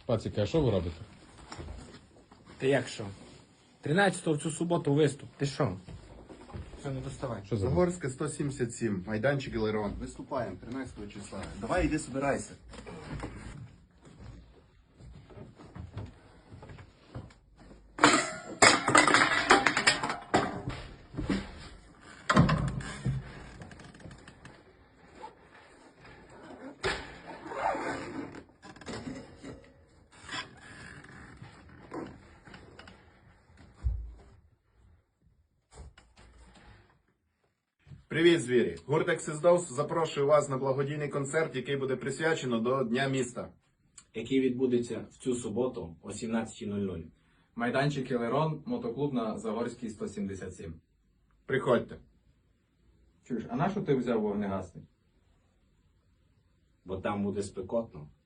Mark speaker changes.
Speaker 1: Пацики, а що ви робите?
Speaker 2: Ти як що? 13-го в цю суботу виступ. Ти що? Все, не доставай.
Speaker 1: Що за?
Speaker 3: Загорська 177, майданчик Елерон. Виступаємо 13 числа. Давай іди собирайся. Привіт, звірі! Гурт Ексисдос запрошує вас на благодійний концерт, який буде присвячено до Дня міста.
Speaker 4: Який відбудеться в цю суботу о 17:00.
Speaker 5: Майданчик Елерон, мотоклуб на Загорській 177.
Speaker 3: Приходьте.
Speaker 5: Чуєш, а на що ти взяв вогнегасник?
Speaker 4: Бо там буде спекотно.